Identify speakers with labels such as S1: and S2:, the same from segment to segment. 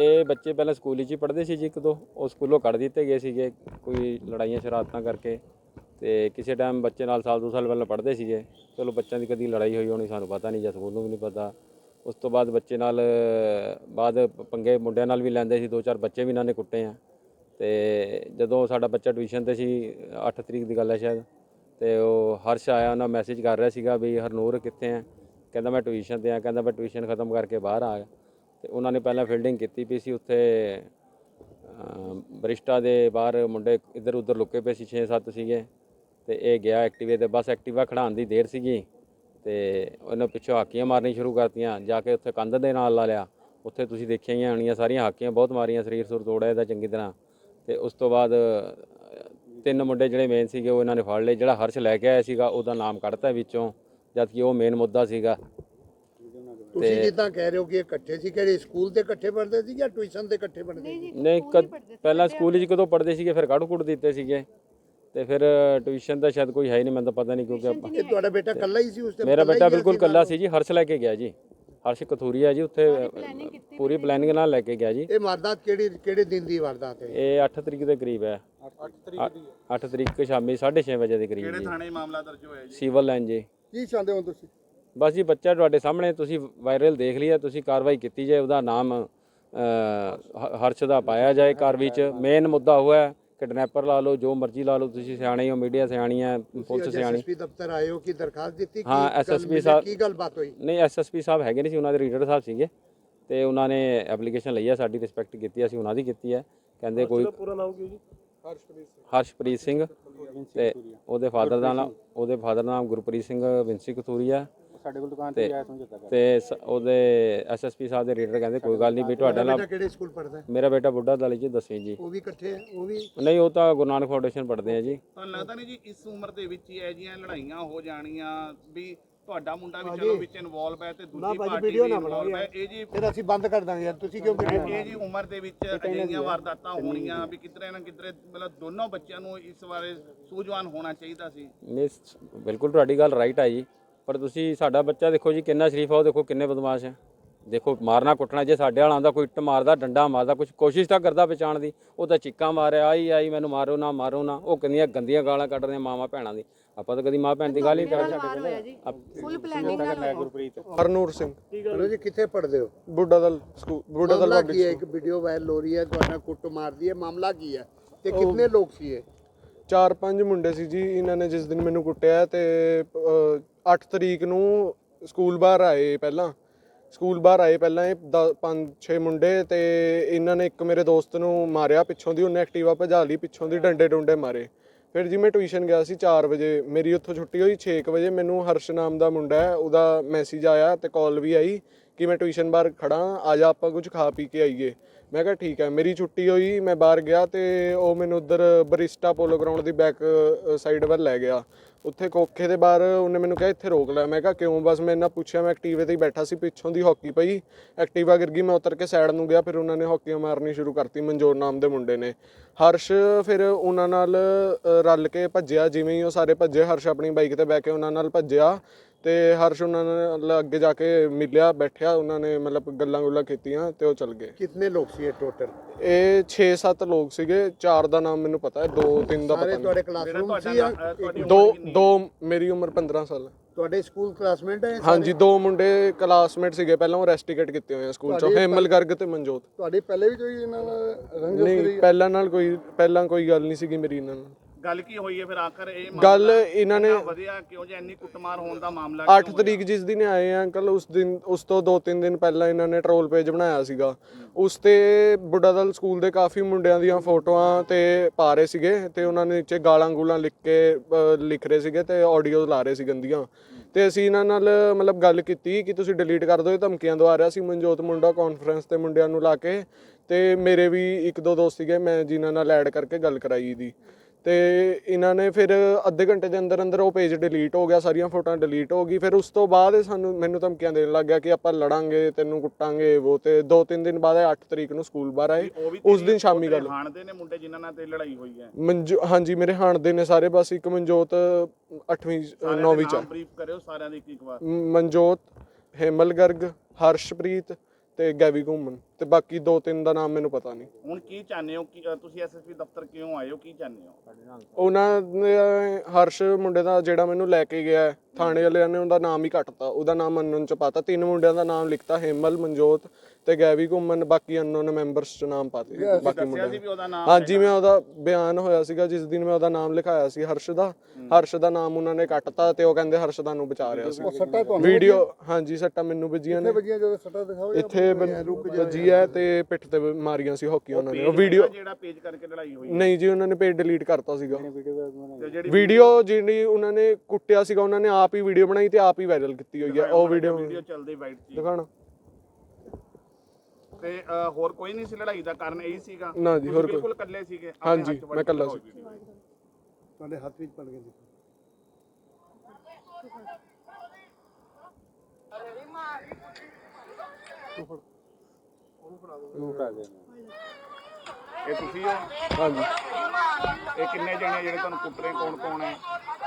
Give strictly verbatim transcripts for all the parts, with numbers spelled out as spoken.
S1: ਇਹ ਬੱਚੇ ਪਹਿਲਾਂ ਸਕੂਲ 'ਚ ਹੀ ਪੜ੍ਹਦੇ ਸੀ ਜੀ, ਇੱਕ ਦੋ ਉਹ ਸਕੂਲੋਂ ਕੱਢ ਦਿੱਤੇ ਗਏ ਸੀਗੇ ਕੋਈ ਲੜਾਈਆਂ ਸ਼ਰਾਰਤਾਂ ਕਰਕੇ। ਤੇ ਕਿਸੇ ਟਾਈਮ ਬੱਚੇ ਨਾਲ ਸਾਲ ਦੋ ਸਾਲ ਪਹਿਲਾਂ ਪੜ੍ਹਦੇ ਸੀਗੇ, ਚਲੋ ਬੱਚਿਆਂ ਦੀ ਕਦੀ ਲੜਾਈ ਹੋਈ ਹੋਣੀ ਸਾਨੂੰ ਪਤਾ ਨਹੀਂ ਜਾਂ ਸਕੂਲ ਨੂੰ ਵੀ ਨਹੀਂ ਪਤਾ। ਉਸ ਤੋਂ ਬਾਅਦ ਬੱਚੇ ਨਾਲ ਬਾਅਦ ਪੰਗੇ ਮੁੰਡਿਆਂ ਨਾਲ ਵੀ ਲੈਂਦੇ ਸੀ, ਦੋ ਚਾਰ ਬੱਚੇ ਵੀ ਇਹਨਾਂ ਨੇ ਕੁੱਟੇ ਆ। ਤੇ ਜਦੋਂ ਸਾਡਾ ਬੱਚਾ ਟਿਊਸ਼ਨ 'ਤੇ ਸੀ, ਅੱਠ ਤਰੀਕ ਦੀ ਗੱਲ ਹੈ ਸ਼ਾਇਦ, ਤੇ ਉਹ ਹਰਸ਼ ਆਇਆ, ਉਹਨਾਂ ਮੈਸੇਜ ਕਰ ਰਿਹਾ ਸੀਗਾ ਵੀ ਹਰਨੂਰ ਕਿੱਥੇ ਆ, ਕਹਿੰਦਾ ਮੈਂ ਟਿਊਸ਼ਨ 'ਤੇ ਆ, ਕਹਿੰਦਾ ਮੈਂ ਟਿਊਸ਼ਨ ਖਤਮ ਕਰਕੇ ਬਾਹਰ ਆ ਗਿਆ। ਤੇ ਉਹਨਾਂ ਨੇ ਪਹਿਲਾਂ ਫੀਲਡਿੰਗ ਕੀਤੀ ਪਈ ਸੀ ਉੱਥੇ ਬਰਿਸ਼ਟਾ ਦੇ ਬਾਹਰ, ਮੁੰਡੇ ਇੱਧਰ ਉੱਧਰ ਲੁਕੇ ਪਏ ਸੀ, ਛੇ ਸੱਤ ਸੀਗੇ। ਤੇ ਇਹ ਗਿਆ ਐਕਟੀਵੇ ਤੇ, ਬਸ ਐਕਟੀਵਾ ਖੜਾਉਣ ਦੀ ਦੇਰ ਸੀਗੀ ਤੇ ਉਹਨੇ ਪਿੱਛੋਂ ਹਾਕੀਆਂ ਮਾਰਨੀ ਸ਼ੁਰੂ ਕਰਤੀਆਂ, ਜਾ ਕੇ ਉੱਥੇ ਕੰਧ ਦੇ ਨਾਲ ਲਾ ਲਿਆ। ਉੱਥੇ ਤੁਸੀਂ ਦੇਖੀਆਂ ਹੀ ਹੋਣੀਆਂ ਸਾਰੀਆਂ ਹਾਕੀਆਂ ਬਹੁਤ ਮਾਰੀਆਂ, ਸਰੀਰ ਸੁਰ ਤੋੜਿਆ ਇਹਦਾ ਚੰਗੀ ਤਰ੍ਹਾਂ। ਤੇ ਉਸ ਤੋਂ ਬਾਅਦ ਤਿੰਨ ਮੁੰਡੇ ਜਿਹੜੇ ਮੇਨ ਸੀਗੇ ਉਹ ਇਹਨਾਂ ਨੇ ਫੜ ਲਏ। ਜਿਹੜਾ ਹਰਸ਼ ਲੈ ਕੇ ਆਇਆ ਸੀਗਾ ਉਹਦਾ ਨਾਮ ਕੱਢਤਾ ਵਿੱਚੋਂ, ਜਦ ਕਿ ਉਹ ਮੇਨ ਮੁੱਦਾ ਸੀਗਾ।
S2: ਤੁਸੀਂ ਜਿੱਦਾਂ ਕਹਿ ਰਹੇ ਹੋ ਕਿ ਇਕੱਠੇ ਸੀ, ਕਿਹੜੇ ਸਕੂਲ ਤੇ ਇਕੱਠੇ ਪੜ੍ਹਦੇ ਸੀ ਜਾਂ ਟਿਊਸ਼ਨ ਤੇ ਇਕੱਠੇ ਪੜ੍ਹਦੇ ਸੀ?
S1: ਨਹੀਂ, ਪਹਿਲਾਂ ਸਕੂਲ 'ਚ ਕਦੋਂ ਪੜ੍ਹਦੇ ਸੀਗੇ, ਫਿਰ ਕੱਢ ਕੁੱਟ ਦਿੱਤੇ ਸੀਗੇ। ਤੇ ਫਿਰ ਟਿਊਸ਼ਨ ਦਾ ਸ਼ਾਇਦ ਕੋਈ ਹੈ ਹੀ ਨਹੀਂ, ਮੈਨੂੰ ਤਾਂ ਪਤਾ ਨਹੀਂ, ਕਿਉਂਕਿ
S2: ਇਹ ਤੁਹਾਡਾ ਬੇਟਾ ਇਕੱਲਾ ਹੀ ਸੀ ਉਸ ਤੇ?
S1: ਮੇਰਾ ਬੇਟਾ ਬਿਲਕੁਲ ਇਕੱਲਾ ਸੀ ਜੀ, ਹਰਸ਼ ਲੈ ਕੇ ਗਿਆ ਜੀ, ਹਰਸ਼ ਕਥੂਰੀਆ ਜੀ, ਉੱਥੇ ਪੂਰੀ ਪਲੈਨਿੰਗ ਨਾਲ ਲੈ ਕੇ ਗਿਆ ਜੀ।
S2: ਇਹ ਵਾਰਦਾਤ ਕਿਹੜੀ ਕਿਹੜੇ ਦਿਨ ਦੀ ਵਾਰਦਾਤ ਹੈ?
S1: ਇਹ ਅੱਠ ਤਰੀਕ ਦੇ ਕਰੀਬ ਹੈ, ਅੱਠ ਤਰੀਕ ਸ਼ਾਮੀ ਸਾਢੇ ਛੇ ਵਜੇ ਦੇ ਕਰੀਬ ਜੀ।
S3: ਕਿਹੜੇ ਥਾਣੇ ਮਾਮਲਾ ਦਰਜ ਹੋਇਆ ਜੀ?
S1: ਸਿਵਲ ਲਾਈਨ ਜੀ।
S2: ਕੀ ਚਾਹੁੰਦੇ ਹੋ ਤੁਸੀਂ?
S1: ਬਸ ਜੀ ਬੱਚਾ ਤੁਹਾਡੇ ਸਾਹਮਣੇ, ਤੁਸੀਂ ਵਾਇਰਲ ਦੇਖ ਲਿਆ, ਤੁਸੀਂ ਕਾਰਵਾਈ ਕੀਤੀ ਜਾਏ, ਉਹਦਾ ਨਾਮ ਹਰਸ਼ ਦਾ ਪਾਇਆ ਜਾਏ ਕਾਰਵਾਈ 'ਚ। ਮੇਨ ਮੁੱਦਾ ਹੋਇਆ ਕਿਡਨੈਪਰ ਲਾ ਲਓ, ਜੋ ਮਰਜ਼ੀ ਲਾ ਲਓ, ਤੁਸੀਂ ਸਿਆਣੇ ਹੋ, ਮੀਡੀਆ ਸਿਆਣੀ ਹੈ, ਪੁਲਿਸ ਸਿਆਣੀ।
S2: ਐਸਐਸਪੀ ਦਫ਼ਤਰ ਆਏ ਹੋ ਕਿ ਦਰਖਾਸਤ ਦਿੱਤੀ?
S1: ਹਾਂ, ਐਸਐਸਪੀ ਸਾਹਿਬ
S2: ਕੀ ਗੱਲਬਾਤ ਹੋਈ?
S1: ਨਹੀਂ, ਐਸਐਸਪੀ ਸਾਹਿਬ ਹੈਗੇ ਨਹੀਂ ਸੀ, ਉਹਨਾਂ ਦੇ ਰੀਡਰ ਸਾਹਿਬ ਸੀਗੇ, ਤੇ ਉਹਨਾਂ ਨੇ ਐਪਲੀਕੇਸ਼ਨ ਲਈ ਹੈ, ਸਾਡੀ ਰਿਸਪੈਕਟ ਕੀਤੀ, ਅਸੀਂ ਉਹਨਾਂ ਦੀ ਕੀਤੀ ਹੈ। ਕਹਿੰਦੇ ਕੋਈ
S3: ਪੂਰਾ ਨਾਮ ਕੀ ਜੀ?
S1: ਹਰਸ਼ਪ੍ਰੀਤ ਸਿੰਘ, ਤੇ ਉਹਦੇ ਫਾਦਰ ਦਾ ਨਾਮ ਉਹਦੇ ਫਾਦਰ ਦਾ ਨਾਮ ਗੁਰਪ੍ਰੀਤ ਸਿੰਘ ਵਿੰਸੀ ਕਥੂਰੀਆ।
S3: ਸਾਡੇ ਕੋਲ ਦੁਕਾਨ ਤੇ ਆਇਆ ਸਮਝੌਤਾ ਕਰ।
S1: ਤੇ ਉਹਦੇ ਐਸਐਸਪੀ ਸਾਹਿਬ ਦੇ ਰੀਡਰ ਕਹਿੰਦੇ ਕੋਈ ਗੱਲ ਨਹੀਂ ਵੀ ਤੁਹਾਡੇ ਨਾਲ।
S2: ਕਿਹੜੇ ਸਕੂਲ ਪੜ੍ਹਦਾ ਹੈ?
S1: ਮੇਰਾ ਬੇਟਾ ਬੁੱਢਾ ਦਲ ਜੀ, ਦਸਵੀਂ ਜੀ।
S2: ਉਹ ਵੀ ਇਕੱਠੇ ਹੈ? ਉਹ ਵੀ
S1: ਨਹੀਂ, ਉਹ ਤਾਂ ਗੁਰੂ ਨਾਨਕ ਫਾਊਂਡੇਸ਼ਨ ਪੜ੍ਹਦੇ ਆ ਜੀ।
S3: ਤੁਹਾਨੂੰ ਲੱਗਦਾ ਨਹੀਂ ਜੀ ਇਸ ਉਮਰ ਦੇ ਵਿੱਚ ਹੀ ਇਹ ਜਿਹੀਆਂ ਲੜਾਈਆਂ ਹੋ ਜਾਣੀਆਂ ਵੀ ਤੁਹਾਡਾ ਮੁੰਡਾ ਵੀ ਚਲੋ ਵਿੱਚ ਇਨਵੋਲਵ ਹੈ ਤੇ ਦੂਜੀ ਪਾਰਟੀ ਵੀ ਇਨਵੋਲਵ ਹੈ? ਇਹ ਜੀ
S2: ਫਿਰ ਅਸੀਂ ਬੰਦ ਕਰ ਦਾਂਗੇ ਯਾਰ, ਤੁਸੀਂ ਕਿਉਂ ਵੀਡੀਓ
S3: ਇਹ ਜੀ ਉਮਰ ਦੇ ਵਿੱਚ ਅਜਿਹੀਆਂ ਵਾਰਦਾਤਾਂ ਹੋਣੀਆਂ ਵੀ ਕਿਧਰੇ ਨਾ ਕਿਧਰੇ ਮਤਲਬ ਦੋਨੋਂ ਬੱਚਿਆਂ ਨੂੰ ਇਸ ਬਾਰੇ ਸੂਝਵਾਨ ਹੋਣਾ ਚਾਹੀਦਾ ਸੀ।
S1: ਨਹੀਂ, ਬਿਲਕੁਲ ਤੁਹਾਡੀ ਗੱਲ ਰਾਈਟ ਆ ਜੀ, ਪਰ ਤੁਸੀਂ ਸਾਡਾ ਬੱਚਾ ਦੇਖੋ ਜੀ ਕਿੰਨਾ ਸ਼ਰੀਫ ਆ, ਉਹ ਦੇਖੋ ਕਿੰਨੇ ਬਦਮਾਸ਼ ਆ। ਦੇਖੋ ਮਾਰਨਾ ਕੁੱਟਣਾ, ਜੇ ਸਾਡੇ ਵਾਲਾ ਆਉਂਦਾ ਕੋਈ ਇੱਟ ਮਾਰਦਾ, ਡੰਡਾ ਮਾਰਦਾ, ਕੁਝ ਕੋਸ਼ਿਸ਼ ਤਾਂ ਕਰਦਾ ਬਚਾਉਣ ਦੀ, ਉਹ ਤਾਂ ਚੀਕਾਂ ਮਾਰਿਆ, ਆਈ ਆਈ ਮੈਨੂੰ ਮਾਰੋ ਨਾ ਮਾਰੋ ਨਾ, ਉਹ ਕਿੰਨੀਆਂ ਗੰਦੀਆਂ ਗਾਲਾਂ ਕੱਢ ਰਹੀਆਂ ਮਾਵਾਂ ਭੈਣਾਂ ਦੀ। ਆਪਾਂ ਤਾਂ ਕਦੀ ਮਾਂ ਭੈਣ ਦੀ ਗੱਲ ਹੀ ਕਰ ਸਕਦੇ।
S4: ਫੁੱਲ ਪਲੈਨਿੰਗ ਨਾਲ
S3: ਗੁਰਪ੍ਰੀਤ
S5: ਹਰਨੂਰ ਸਿੰਘ,
S2: ਚਲੋ ਜੀ, ਕਿੱਥੇ ਪੜ੍ਹਦੇ ਹੋ?
S5: ਬੁੱਢਾ ਦਲ ਸਕੂਲ, ਬੁੱਢਾ ਦਲ
S2: ਮਾਮਲਾ
S5: ਪਬਲਿਕ
S2: ਕੀ ਹੈ?
S5: ਸਕੂਲ।
S2: ਇੱਕ ਵੀਡੀਓ ਵਾਇਰਲ ਹੋ ਰਹੀ ਹੈ, ਤੁਹਾਡਾ ਕੁੱਟ ਮਾਰਦੀ ਹੈ, ਮਾਮਲਾ ਕੀ ਹੈ ਤੇ ਕਿੰਨੇ ਲੋਕ ਸੀ ਇਹ?
S5: ਚਾਰ ਪੰਜ ਮੁੰਡੇ ਸੀ ਜੀ। ਇਹਨਾਂ ਨੇ ਜਿਸ ਦਿਨ ਮੈਨੂੰ ਕੁੱਟਿਆ ਤੇ ਅੱਠ ਤਰੀਕ ਨੂੰ ਸਕੂਲ ਬਾਹਰ ਆਏ, ਪਹਿਲਾਂ ਸਕੂਲ ਬਾਹਰ ਆਏ ਪਹਿਲਾਂ ਇਹ ਪੰਜ ਛੇ ਮੁੰਡੇ, ਤੇ ਇਹਨਾਂ ਨੇ ਇੱਕ ਮੇਰੇ ਦੋਸਤ ਨੂੰ ਮਾਰਿਆ ਪਿੱਛੋਂ ਦੀ, ਉਹਨੇ ਐਕਟਿਵਾ ਭਜਾ ਲਈ ਪਿੱਛੋਂ ਦੀ, ਡੰਡੇ ਡੁੰਡੇ ਮਾਰੇ। ਫਿਰ ਜੀ ਮੈਂ ਟਿਊਸ਼ਨ ਗਿਆ ਸੀ ਚਾਰ ਵਜੇ, ਮੇਰੀ ਉੱਥੋਂ ਛੁੱਟੀ ਹੋਈ ਛੇ ਕੁ ਵਜੇ। ਮੈਨੂੰ ਹਰਸ਼ ਨਾਮ ਦਾ ਮੁੰਡਾ ਹੈ, ਉਹਦਾ ਮੈਸੇਜ ਆਇਆ ਤੇ ਕਾਲ ਵੀ ਆਈ ਕਿ ਮੈਂ ਟਿਊਸ਼ਨ ਬਾਹਰ ਖੜਾ, ਆ ਜਾ ਆਪਾਂ ਕੁਝ ਖਾ ਪੀ ਕੇ ਆਈਏ। ਮੈਂ ਕਿਹਾ ਠੀਕ ਹੈ। ਮੇਰੀ ਛੁੱਟੀ ਹੋਈ, ਮੈਂ ਬਾਹਰ ਗਿਆ ਤੇ ਉਹ ਮੈਨੂੰ ਉੱਧਰ ਬਰਿਸ਼ਟਾ ਪੋਲੋ ਗਰਾਊਂਡ ਦੀ ਬੈਕ ਸਾਈਡ ਵੱਲ ਲੈ ਗਿਆ। ਉੱਥੇ ਕੋਖੇ ਦੇ ਬਾਹਰ ਉਹਨੇ ਮੈਨੂੰ ਕਿਹਾ ਇੱਥੇ ਰੋਕ ਲੈ। ਮੈਂ ਕਿਹਾ ਕਿਉਂ? ਬਸ ਮੈਂ ਇਹਨਾਂ ਪੁੱਛਿਆ, ਮੈਂ ਐਕਟੀਵੇ ਤੇ ਹੀ ਬੈਠਾ ਸੀ, ਪਿੱਛੋਂ ਦੀ ਹਾਕੀ ਪਈ, ਐਕਟੀਵਾ ਗਿਰ ਗਈ, ਮੈਂ ਉਤਰ ਕੇ ਸਾਈਡ ਨੂੰ ਗਿਆ। ਫਿਰ ਉਹਨਾਂ ਨੇ ਹਾਕੀਆਂ ਮਾਰਨੀ ਸ਼ੁਰੂ ਕਰਤੀ, ਮਨਜੋਰ ਨਾਮ ਦੇ ਮੁੰਡੇ ਨੇ। ਹਰਸ਼ ਫਿਰ ਉਹਨਾਂ ਨਾਲ ਰਲ ਕੇ ਭੱਜਿਆ, ਜਿਵੇਂ ਹੀ ਉਹ ਸਾਰੇ ਭੱਜੇ, ਹਰਸ਼ ਆਪਣੀ ਬਾਈਕ ਤੇ ਬਹਿ ਕੇ ਉਹਨਾਂ ਨਾਲ ਭੱਜਿਆ ਤੇ ਹਰਸ਼ ਉਹਨਾਂ ਨਾਲ ਅੱਗੇ ਜਾ ਕੇ ਮਿਲਿਆ, ਬੈਠਿਆ, ਉਹਨਾਂ ਨੇ ਮਤਲਬ ਗੱਲਾਂ ਗੁੱਲਾਂ ਕੀਤੀਆਂ ਤੇ ਉਹ ਚਲ ਗਏ।
S2: ਕਿੰਨੇ ਲੋਕ ਸੀ ਇਹ ਟੋਟਲ?
S5: ਇਹ ਛੇ ਸੱਤ ਲੋਕ ਸੀਗੇ, ਚਾਰ ਦਾ ਨਾਮ ਮੈਨੂੰ ਪਤਾ ਹੈ, ਦੋ ਤਿੰਨ ਦਾ ਪਤਾ
S2: ਸਾਰੇ
S5: ਨਹੀਂ।
S2: ਤੁਹਾਡੇ ਕਲਾਸਰੂਮ ਸੀ ਜਾਂ
S5: ਦੋ ਦੋ ਮੇਰੀ ਉਮਰ ਪੰਦਰਾਂ ਸਾਲ ਹੈ।
S2: ਤੁਹਾਡੇ ਸਕੂਲ ਕਲਾਸਮੇਟ ਹੈ?
S5: ਹਾਂਜੀ, ਦੋ ਮੁੰਡੇ ਕਲਾਸਮੇਟ ਸੀਗੇ, ਪਹਿਲਾਂ ਉਹ ਰੈਸਟੀਕੇਟ ਕੀਤੇ ਹੋਏ ਆ ਸਕੂਲ ਚੋਂ, ਹੇਮਲ ਗਰਗ ਤੇ ਮਨਜੋਤ।
S2: ਤੁਹਾਡੀ ਪਹਿਲੇ ਵੀ ਕੋਈ ਇਹਨਾਂ ਨਾਲ ਰੰਜਿਸ਼
S5: ਨਹੀਂ, ਪਹਿਲਾਂ ਨਾਲ ਕੋਈ ਪਹਿਲਾਂ ਕੋਈ ਗੱਲ ਨਹੀਂ ਸੀਗੀ ਮੇਰੀ ਇਹਨਾਂ ਨਾਲ।
S3: ਗੱਲ ਕੀ ਹੋਈ ਹੈ ਫਿਰ ਆਖਰ? ਇਹ
S5: ਗੱਲ ਇਹਨਾਂ ਨੇ
S3: ਵਧਿਆ ਕਿਉਂ ਜੇ ਇੰਨੀ ਕੁੱਟਮਾਰ ਹੋਣ ਦਾ ਮਾਮਲਾ?
S5: ਅੱਠ ਤਰੀਕ ਜਿਸ ਦਿਨ ਆਏ ਆ ਅੰਕਲ, ਉਸ ਦਿਨ ਉਸ ਤੋਂ ਦੋ ਤਿੰਨ ਦਿਨ ਪਹਿਲਾਂ ਇਹਨਾਂ ਨੇ ਟਰੋਲ ਪੇਜ ਬਣਾਇਆ ਸੀਗਾ, ਉਸ ਤੇ ਬੁੱਢਾ ਦਲ ਸਕੂਲ ਦੇ ਕਾਫੀ ਮੁੰਡਿਆਂ ਦੀਆਂ ਫੋਟੋਆਂ ਤੇ ਪਾ ਰਹੇ ਸੀਗੇ ਤੇ ਉਹਨਾਂ ਨੇ ਨੀਚੇ ਗਾਲਾਂ ਗੂਲਾਂ ਲਿਖ ਕੇ ਲਿਖ ਰਹੇ ਸੀਗੇ ਤੇ ਆਡੀਓ ਲਾ ਰਹੇ ਸੀ ਗੰਦੀਆਂ। ਤੇ ਅਸੀਂ ਇਹਨਾਂ ਨਾਲ ਮਤਲਬ ਗੱਲ ਕੀਤੀ ਕਿ ਤੁਸੀਂ ਡਿਲੀਟ ਕਰ ਦਿਓ, ਇਹ ਧਮਕੀਆਂ ਦਵਾ ਰਿਹਾ ਸੀ ਮਨਜੋਤ ਮੁੰਡਾ ਕਾਨਫਰੰਸ ਤੇ ਮੁੰਡਿਆਂ ਨੂੰ ਲਾ ਕੇ। ਤੇ ਮੇਰੇ ਵੀ ਇੱਕ ਦੋ ਦੋਸਤ ਸੀਗੇ, ਮੈਂ ਜਿਨ੍ਹਾਂ ਨਾਲ ਐਡ ਕਰਕੇ ਗੱਲ ਕਰਾਈ ਦੀ। ਤੇ ਇਹਨਾਂ ਨੇ ਫਿਰ ਅੱਧੇ ਘੰਟੇ ਦੇ ਅੰਦਰ ਅੰਦਰ ਉਹ ਪੇਜ ਡਿਲੀਟ ਹੋ ਗਿਆ, ਸਾਰੀਆਂ ਫੋਟੋਆਂ ਡਿਲੀਟ ਹੋ ਗਈ। ਫਿਰ ਉਸ ਤੋਂ ਬਾਅਦ ਸਾਨੂੰ ਮੈਨੂੰ ਧਮਕੀਆਂ ਦੇਣ ਲੱਗ ਗਿਆ ਕਿ ਆਪਾਂ ਲੜਾਂਗੇ, ਤੈਨੂੰ ਕੁੱਟਾਂਗੇ ਉਹ। ਤੇ ਦੋ ਤਿੰਨ ਦਿਨ ਬਾਅਦ ਅੱਠ ਤਰੀਕ ਨੂੰ ਸਕੂਲ ਬਾਹਰ ਆਏ, ਉਸ ਦਿਨ ਸ਼ਾਮੀ ਗੱਲ।
S3: ਹਾਣਦੇ ਨੇ ਮੁੰਡੇ ਜਿਨ੍ਹਾਂ ਨਾਲ ਤੇ ਲੜਾਈ ਹੋਈ ਹੈ?
S5: ਮਨਜੋ ਹਾਂਜੀ, ਮੇਰੇ ਹਾਣਦੇ ਨੇ ਸਾਰੇ, ਬਸ ਇੱਕ ਮਨਜੋਤ ਅੱਠਵੀਂ ਨੌਵੀਂ ਚ।
S3: ਬਰੀਫ ਕਰਿਓ ਸਾਰਿਆਂ ਦੀ ਇੱਕ ਇੱਕ ਵਾਰ।
S5: ਮਨਜੋਤ, ਹੇਮਲ ਗਰਗ, ਹਰਸ਼ਪ੍ਰੀਤ ਤੇ ਗੈਵੀ ਘੁੰਮਣ, ਤੇ ਬਾਕੀ ਦੋ ਤਿੰਨ ਦਾ ਨਾਮ ਮੈਨੂੰ ਪਤਾ ਨਹੀਂ।
S3: ਹੁਣ ਕੀ ਚਾਹੁੰਦੇ ਹੋ ਕਿ ਅ, ਤੁਸੀਂ ਐਸਐਸਪੀ ਦਫ਼ਤਰ ਕਿਉਂ ਆਏ ਹੋ, ਕੀ ਚਾਹੁੰਦੇ ਹੋ?
S5: ਉਹਨਾਂ ਨੇ ਹਰਸ਼ ਮੁੰਡੇ ਦਾ ਜਿਹੜਾ ਮੈਨੂੰ ਲੈ ਕੇ ਗਿਆ ਹੈ, ਥਾਣੇ ਵਾਲਿਆਂ ਨੇ ਉਹਦਾ ਨਾਮ ਹੀ ਕੱਟਤਾ, ਉਹਦਾ ਨਾਮ ਅਨਨੋਨ ਚ ਪਾਤਾ। ਤਿੰਨ ਮੁੰਡਿਆਂ ਦਾ ਨਾਮ ਲਿਖਤਾ, ਹੇਮਲ, ਮਨਜੋਤ ਤੇ ਗੈਵੀ ਘੁੰਮਣ, ਬਾਕੀ ਅਨਨੋਨ ਮੈਂਬਰਸ ਚ ਨਾਮ ਪਾਤੇ ਬਾਕੀ
S3: ਦੱਸਿਆ
S5: ਮੁੰਡਿਆਂ
S3: ਸੀ
S5: ਦੇ।
S3: ਵੀ ਉਹਦਾ ਨਾਮ
S5: ਹਾਂਜੀ ਮੈਂ ਉਹਦਾ ਬਿਆਨ ਹੋਇਆ ਸੀਗਾ ਜਿਸ ਦਿਨ ਮੈਂ ਉਹਦਾ ਨਾਮ ਲਿਖਾਇਆ ਸੀ ਹਰਸ਼ ਦਾ, ਹਰਸ਼ ਦਾ ਨਾਮ ਉਹਨਾਂ ਨੇ ਕੱਟਤਾ ਤੇ ਉਹ ਕਹਿੰਦੇ ਹਰਸ਼ ਦਾ ਨੂੰ ਬਚਾ ਰਿਹਾ ਸੀ।
S2: ਸੱਟਾ ਤੁਹਾਨੂੰ
S5: ਵੀਡੀਓ ਹਾਂਜੀ ਸੱਟਾਂ ਮੈਨੂੰ ਵੱਜੀਆਂ ਨੇ,
S2: ਵੱਜੀਆਂ ਜਦੋਂ ਸੱਟਾ ਦਿਖਾਓ
S5: ਇੱਥੇ ਵੱਜੀ ਹੈ ਤੇ ਪਿੱਠ ਤੇ ਮਾਰੀਆਂ ਸੀ ਹਾਕੀ ਉਹਨਾਂ ਨੇ। ਉਹ ਵੀਡੀਓ
S3: ਜਿਹੜਾ ਪੇਜ ਕਰਕੇ ਲੜਾਈ ਹੋਈ
S5: ਨਹੀਂ ਜੀ ਉਹਨਾਂ ਨੇ ਪੇਜ ਡਿਲੀਟ ਕਰਤਾ ਸੀਗਾ।
S3: ਤੇ ਜਿਹੜੀ
S5: ਵੀਡੀਓ ਜਿਹੜੀ ਉਹਨਾਂ ਨੇ ਕੁੱਟਿਆ ਸੀਗਾ ਉਹਨਾਂ ਨੇ ਆਪ ਹੀ ਵੀਡੀਓ ਬਣਾਈ ਤੇ ਆਪ ਹੀ ਵਾਇਰਲ ਕੀਤੀ ਹੋਈ ਹੈ ਉਹ ਵੀਡੀਓ।
S3: ਵੀਡੀਓ ਚੱਲਦੀ ਵਾਈਟ ਸੀ
S5: ਦਿਖਾਣਾ
S3: ਤੇ ਅ, ਹੋਰ ਕੋਈ ਨਹੀਂ ਸੀ ਲੜਾਈ ਦਾ ਕਾਰਨ ਇਹੀ ਸੀਗਾ?
S5: ਨਾ ਜੀ, ਹੋਰ ਕੋਈ-
S3: ਬਿਲਕੁਲ ਇਕੱਲੇ ਸੀਗੇ? ਆਪਣੇ
S5: ਹਾਂਜੀ,
S3: ਹੱਥ 'ਚ
S5: ਮੈਂ ਇਕੱਲਾ ਸੀ।
S2: ਤੁਹਾਡੇ ਹੱਥ ਵਿੱਚ ਪੜ ਗਏ
S3: ਇਹ ਤੁਸੀਂ ਹੋ?
S5: ਹਾਂਜੀ
S3: ਇਹ ਕਿੰਨੇ ਜਣੇ ਜਿਹੜੇ ਤੁਹਾਨੂੰ ਕੁੱਟ ਰਹੇ, ਕੌਣ ਕੌਣ ਹੈ?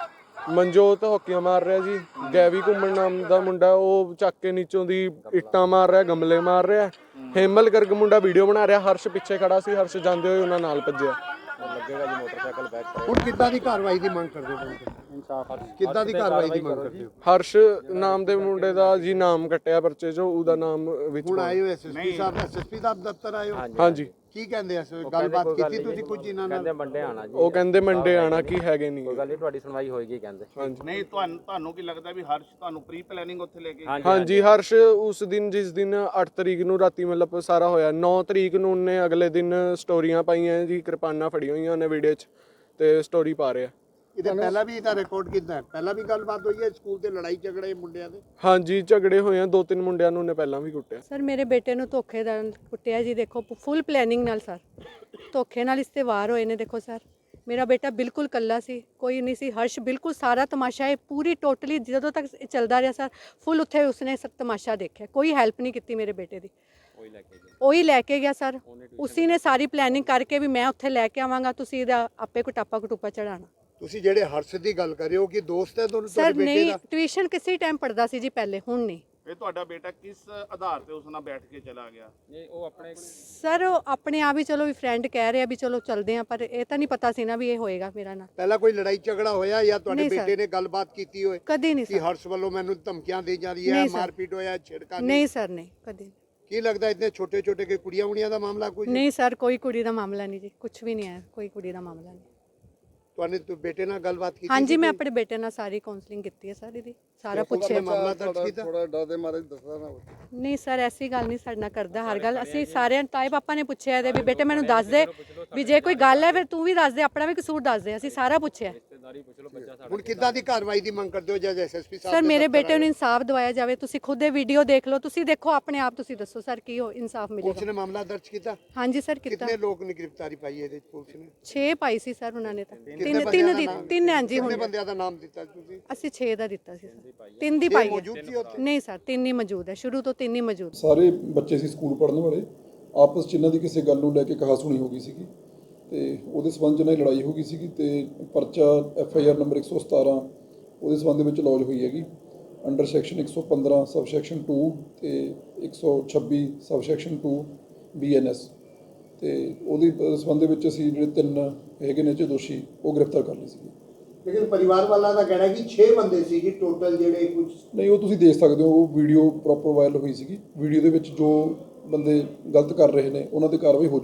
S5: ਮਨਜੋਤ ਹਾਕੀਆਂ ਮਾਰ ਰਿਹਾ ਜੀ, ਗੈਵੀ ਘੁੰਮਣ ਨਾਮ ਦਾ ਮੁੰਡਾ ਉਹ ਚੱਕ ਕੇ ਨੀਚੋਂ ਦੀ ਇੱਟਾਂ ਮਾਰ ਰਿਹਾ, ਗਮਲੇ ਮਾਰ ਰਿਹਾ। ਹੇਮਲ ਗਰਗ ਮੁੰਡਾ ਵੀਡੀਓ ਬਣਾ ਰਿਹਾ, ਹਰਸ਼ ਪਿੱਛੇ ਖੜਾ ਸੀ, ਹਰਸ਼ ਜਾਂਦੇ ਹੋਏ ਉਹਨਾਂ ਨਾਲ ਭੱਜਿਆ।
S1: ਲੱਗੇਗਾ ਜੀ ਮੋਟਰਸਾਈਕਲ ਬੈਕ ਕਰੇ।
S2: ਹੁਣ ਕਿੱਦਾਂ ਦੀ ਕਾਰਵਾਈ ਦੀ ਮੰਗ ਕਰਦੇ ਹੋ?
S1: ਇਨਸਾਫ
S2: ਕਿੱਦਾਂ ਦੀ ਕਾਰਵਾਈ ਦੀ ਮੰਗ ਕਰਦੇ ਹੋ?
S5: ਹਰਸ਼ ਨਾਮ ਦੇ ਮੁੰਡੇ ਦਾ ਜੀ ਨਾਮ ਕੱਟਿਆ ਪਰਚੇ ਚੋਂ, ਉਹਦਾ ਨਾਮ ਵਿੱਚ
S2: ਹੁਣ
S5: ਪਾਉਣਾ।
S2: ਆਏ ਹੋ ਐਸਐਸਪੀ ਸਾਹਿਬ ਐਸਐਸਪੀ ਦਾ ਦਫ਼ਤਰ ਆਏ ਹੋ?
S5: ਹਾਂਜੀ
S2: ਕੀ ਕਹਿੰਦੇ ਐ? ਗੱਲਬਾਤ ਕੀਤੀ ਤੁਸੀਂ ਕੁਝ ਇਹਨਾਂ ਨਾਲ?
S1: ਕਹਿੰਦੇ ਮੰਡੇ ਆਣਾ ਜੀ।
S5: ਉਹ ਕਹਿੰਦੇ ਮੰਡੇ ਆਣਾ ਕੀ ਹੈਗੇ ਨਹੀਂ।
S1: ਕੋਈ ਗੱਲ ਨਹੀਂ, ਤੁਹਾਡੀ ਸੁਣਵਾਈ ਹੋਏਗੀ ਕਹਿੰਦੇ।
S5: ਹਾਂਜੀ
S3: ਨਹੀਂ ਤੁਹਾਨੂੰ ਤੁਹਾਨੂੰ ਕੀ ਲੱਗਦਾ ਵੀ ਹਰਸ਼ ਤੁਹਾਨੂੰ ਪ੍ਰੀ ਪਲੈਨਿੰਗ ਉੱਥੇ ਲੈ ਕੇ
S5: ਹਾਂਜੀ ਹਰਸ਼ ਉਸ ਦਿਨ ਜਿਸ ਦਿਨ ਅੱਠ ਤਰੀਕ ਨੂੰ ਰਾਤੀ ਮਤਲਬ ਸਾਰਾ ਹੋਇਆ, ਨੌ ਤਰੀਕ ਨੂੰ ਉਹਨੇ ਅਗਲੇ ਦਿਨ ਸਟੋਰੀਆਂ ਪਾਈਆਂ ਜੀ, ਕਿਰਪਾਨਾਂ ਫੜੀਆਂ ਹੋਈਆਂ ਉਹਨੇ ਵੀਡੀਓ 'ਚ ਤੇ ਸਟੋਰੀ ਪਾ ਰਿਹਾ।
S2: ਇਹਦੇ ਪਹਿਲਾਂ ਵੀ ਇਹਦਾ ਰਿਕਾਰਡ ਕੀਤਾ ਹੈ? ਪਹਿਲਾਂ ਵੀ ਗੱਲਬਾਤ ਹੋਈ ਹੈ ਸਕੂਲ ਤੇ ਲੜਾਈ ਝਗੜੇ ਮੁੰਡਿਆਂ ਦੇ?
S5: ਹਾਂਜੀ ਝਗੜੇ ਹੋਏ ਆ, ਦੋ ਤਿੰਨ ਮੁੰਡਿਆਂ ਨੂੰ ਉਹਨੇ ਪਹਿਲਾਂ ਵੀ ਕੁੱਟਿਆ।
S4: ਸਰ ਮੇਰੇ ਬੇਟੇ ਨੂੰ ਧੋਖੇ ਨਾਲ ਕੁੱਟਿਆ ਜੀ, ਦੇਖੋ ਫੁੱਲ ਪਲੈਨਿੰਗ ਨਾਲ ਸਰ, ਧੋਖੇ ਨਾਲ ਇਸ ਤੇ ਵਾਰ ਹੋਏ ਨੇ। ਦੇਖੋ ਸਰ ਮੇਰਾ ਬੇਟਾ ਬਿਲਕੁਲ ਕੱਲਾ ਸੀ, ਕੋਈ ਨਹੀਂ ਸੀ। ਹਰਸ਼ ਬਿਲਕੁਲ ਸਾਰਾ ਤਮਾਸ਼ਾ ਇਹ ਪੂਰੀ ਟੋਟਲੀ ਜਦੋਂ ਤੱਕ ਇਹ ਚੱਲਦਾ ਰਿਹਾ ਸਰ, ਫੁੱਲ ਉੱਥੇ ਉਸਨੇ ਸਭ ਤਮਾਸ਼ਾ ਦੇਖਿਆ, ਕੋਈ ਹੈਲਪ ਨਹੀਂ ਕੀਤੀ ਮੇਰੇ ਬੇਟੇ ਦੀ।
S1: ਉਹੀ ਲੈ ਕੇ ਗਿਆ।
S4: ਉਹੀ ਲੈ ਕੇ ਗਿਆ ਸਰ, ਉਸੀ ਨੇ ਸਾਰੀ ਪਲੈਨਿੰਗ ਕਰਕੇ ਵੀ ਮੈਂ ਉੱਥੇ ਲੈ ਕੇ ਆਵਾਂਗਾ, ਤੁਸੀਂ ਇਹਦਾ ਆਪੇ ਕੁਟਾਪਾ ਕਟੂਪਾ ਚੜਾਣਾ।
S2: ਤੁਸੀਂ ਜਿਹੜੇ ਹਰਸ਼ ਦੀ ਗੱਲ ਕਰ ਰਹੇ ਹੋ ਕਿ ਦੋਸਤ ਹੈ ਦੋਨੋਂ
S4: ਸਰ
S2: ਤੁਹਾਡੇ ਬੇਟੇ
S4: ਨਹੀਂ,
S2: ਦਾ?
S4: ਟਿਊਸ਼ਨ ਕਿਸੇ ਟਾਈਮ ਪੜਦਾ ਸੀ ਜੀ ਪਹਿਲੇ, ਹੁਣ ਨਹੀਂ।
S3: ਇਹ ਤੁਹਾਡਾ ਬੇਟਾ ਕਿਸ ਆਧਾਰ ਤੇ ਉਸ ਨਾਲ ਬੈਠ ਕੇ ਚਲਾ ਗਿਆ?
S1: ਨਹੀਂ ਉਹ ਆਪਣੇ
S4: ਸਰ ਉਹ ਆਪਣੇ ਆਪ ਹੀ ਚਲੋ ਵੀ ਫਰੈਂਡ ਕਹਿ ਰਿਹਾ ਵੀ ਚਲੋ ਚੱਲਦੇ ਆ, ਪਰ ਇਹ ਤਾਂ ਨਹੀਂ ਪਤਾ ਸੀ ਨਾ ਵੀ ਇਹ ਹੋਏਗਾ ਮੇਰਾ ਨਾਲ।
S2: ਪਹਿਲਾਂ ਕੋਈ ਲੜਾਈ ਝਗੜਾ ਹੋਇਆ ਜਾਂ ਤੁਹਾਡੇ
S4: ਨਹੀਂ ਸਰ।
S2: ਬੇਟੇ ਨੇ ਗੱਲਬਾਤ ਕੀਤੀ ਹੋਏ
S4: ਕਦੀ ਨਹੀਂ
S2: ਕਿ
S4: ਸਰ,
S2: ਹਰਸ਼ ਵੱਲੋਂ ਮੈਨੂੰ ਧਮਕੀਆਂ ਦੇ ਜਾ ਰਹੀ ਹੈ,
S4: ਨਹੀਂ ਸਰ।
S2: ਮਾਰਪੀਟ ਹੋਇਆ, ਛਿੜਕਾ
S4: ਨਹੀਂ ਸਰ, ਨਹੀਂ ਕਦੀ
S2: ਕੀ ਲੱਗਦਾ ਇਤਨੇ ਛੋਟੇ ਛੋਟੇ ਕੇ ਕੁੜੀਆਂ ਉੜੀਆਂ ਦਾ ਮਾਮਲਾ ਕੋਈ?
S4: ਨਹੀਂ ਸਰ, ਕੋਈ ਕੁੜੀ ਦਾ ਮਾਮਲਾ ਨਹੀਂ ਜੀ, ਕੁਝ ਵੀ ਨਹੀਂ ਹੈ, ਕੋਈ ਕੁੜੀ ਦਾ ਮਾਮਲਾ ਨਹੀਂ।
S2: ਤੁਹਾਨੇ ਤੂੰ ਬੇਟੇ ਨਾਲ ਗੱਲਬਾਤ ਕੀਤੀ?
S4: ਹਾਂਜੀ ਮੈਂ ਆਪਣੇ ਬੇਟੇ ਨਾਲ ਸਾਰੀ ਕਾਉਂਸਲਿੰਗ ਕੀਤੀ ਹੈ ਸਰ, ਇਹਦੀ ਸਾਰਾ ਪੁੱਛਿਆ।
S2: ਮਾਮਲਾ ਦਰਜ ਕੀਤਾ?
S6: ਥੋੜਾ ਡਰ ਦੇ ਮਾਰੇ ਦੱਸਦਾ ਨਾ।
S4: ਨਹੀਂ ਸਰ ਐਸੀ ਗੱਲ ਨਹੀਂ, ਸਾਡੇ ਨਾਲ ਕਰਦਾ ਹਰ ਗੱਲ। ਅਸੀਂ ਸਾਰਿਆਂ ਤਾਏ ਪਾਪਾ ਨੇ ਪੁੱਛਿਆ ਇਹਦੇ ਵੀ ਬੇਟੇ ਮੈਨੂੰ ਦੱਸ ਦੇ, ਵੀ ਜੇ ਕੋਈ ਗੱਲ ਹੈ ਫਿਰ ਤੂੰ ਵੀ ਦੱਸ ਦੇ, ਆਪਣਾ ਵੀ ਕਸੂਰ ਦੱਸ ਦੇ, ਅਸੀਂ ਸਾਰਾ ਪੁੱਛਿਆ।
S1: ਰਿਸ਼ਤੇਦਾਰੀ ਪੁੱਛ ਲਓ, ਬੱਚਾ ਸਾਡਾ।
S2: ਹੁਣ ਕਿੱਦਾਂ ਦੀ ਕਾਰਵਾਈ ਦੀ ਮੰਗ ਕਰਦੇ ਹੋ ਜਦ ਐਸਐਸਪੀ ਸਾਹਿਬ
S4: ਸਰ
S2: ਦੇ
S4: ਮੇਰੇ
S2: ਦਫ਼ਤਰ
S4: ਬੇਟੇ ਨੂੰ
S2: ਆਏ?
S4: ਇਨਸਾਫ ਦਿਵਾਇਆ ਜਾਵੇ। ਤੁਸੀਂ ਖੁਦ ਇਹ ਵੀਡੀਓ ਦੇਖ ਲਓ, ਤੁਸੀਂ ਦੇਖੋ ਆਪਣੇ ਆਪ, ਤੁਸੀਂ ਦੱਸੋ ਸਰ ਕੀ ਹੋ ਇਨਸਾਫ
S2: ਪੁਲਿਸ
S4: ਮਿਲੇਗਾ।
S2: ਨੇ ਮਾਮਲਾ ਦਰਜ ਕੀਤਾ?
S4: ਹਾਂਜੀ ਸਰ ਕੀਤਾ,
S2: ਕਿੰਨੇ ਲੋਕ ਨੇ ਗ੍ਰਿਫਤਾਰੀ ਪਾਈ ਇਹਦੇ 'ਚ ਪੁਲਿਸ ਨੇ?
S4: ਛੇ ਪਾਈ ਸੀ ਸਰ ਉਹਨਾਂ ਨੇ ਤਾਂ,
S2: ਕਿੰਨੇ
S4: ਤਿੰਨ
S2: ਬੰਦਿਆਂ
S4: ਤਿੰਨ
S2: ਦਾ
S4: ਦੀ
S2: ਨਾਮ?
S4: ਤਿੰਨ ਹਾਂਜੀ
S2: ਕਿੰਨੇ
S4: ਹੁਣ
S2: ਬੰਦਿਆਂ ਦਾ ਨਾਮ ਦਿੱਤਾ ਤੁਸੀਂ?
S4: ਅਸੀਂ ਛੇ ਦਾ ਦਿੱਤਾ ਸੀ ਸਰ, ਤਿੰਨ ਦੀ ਪਾਈ ਹੈ।
S2: ਮੌਜੂਦ ਸੀ ਉੱਥੇ?
S4: ਨਹੀਂ ਸਰ ਤਿੰਨ ਹੀ ਮੌਜੂਦ ਹੈ, ਸ਼ੁਰੂ ਤੋਂ ਤਿੰਨ ਹੀ ਮੌਜੂਦ।
S6: ਸਾਰੇ ਬੱਚੇ ਸੀ ਸਕੂਲ ਪੜ੍ਹਨ ਵਾਲੇ, ਆਪਸ 'ਚ ਇਹਨਾਂ ਦੀ ਕਿਸੇ ਗੱਲ ਨੂੰ ਲੈ ਕੇ ਕਹਾਸੁਣੀ ਹੋ ਗਈ ਸੀਗੀ ਤੇ ਉਹਦੇ ਸਬੰਧ 'ਚ ਇਹਨਾਂ ਦੀ ਲੜਾਈ ਹੋ ਗਈ ਸੀਗੀ ਤੇ ਪਰਚਾ ਐਫ ਆਈ ਆਰ ਨੰਬਰ ਇੱਕ ਸੌ ਸਤਾਰਾਂ ਉਹਦੇ ਸਬੰਧ ਦੇ ਵਿੱਚ ਲੌਜ ਹੋਈ ਹੈਗੀ ਅੰਡਰ ਸੈਕਸ਼ਨ ਇੱਕ ਸੌ ਪੰਦਰਾਂ ਸਬ ਸੈਕਸ਼ਨ ਦੋ ਤੇ ਇੱਕ ਸੌ ਛੱਬੀ ਸਬ ਸੈਕਸ਼ਨ ਦੋ ਬੀ ਐਨ ਐਸ ਤੇ ਉਹਦੇ ਸਬੰਧ ਦੇ ਵਿੱਚ ਅਸੀਂ ਜਿਹੜੇ ਤਿੰਨ ਹੈਗੇ ਨੇ ਚ ਦੋਸ਼ੀ ਉਹ ਗ੍ਰਿਫਤਾਰ ਕਰ ਲਏ ਸੀਗੇ।
S2: ਲੇਕਿਨ ਪਰਿਵਾਰ ਵਾਲਾ ਦਾ ਕਹਿਣਾ ਕਿ ਛੇ ਬੰਦੇ ਸੀ ਜੀ ਟੋਟਲ ਜਿਹੜੇ ਕੁਝ।
S6: ਨਹੀਂ ਉਹ ਤੁਸੀਂ ਦੇਖ ਸਕਦੇ ਹੋ, ਉਹ ਵੀਡੀਓ ਪ੍ਰੋਪਰ ਵਾਇਰਲ ਹੋਈ ਸੀਗੀ। ਵੀਡੀਓ ਦੇ ਵਿੱਚ ਜੋ ਬੰਦੇ ਗਲਤ ਕਰ ਰਹੇ ਨੇ ਉਹਨਾਂ ਤੇ ਕਾਰਵਾਈ ਹੋ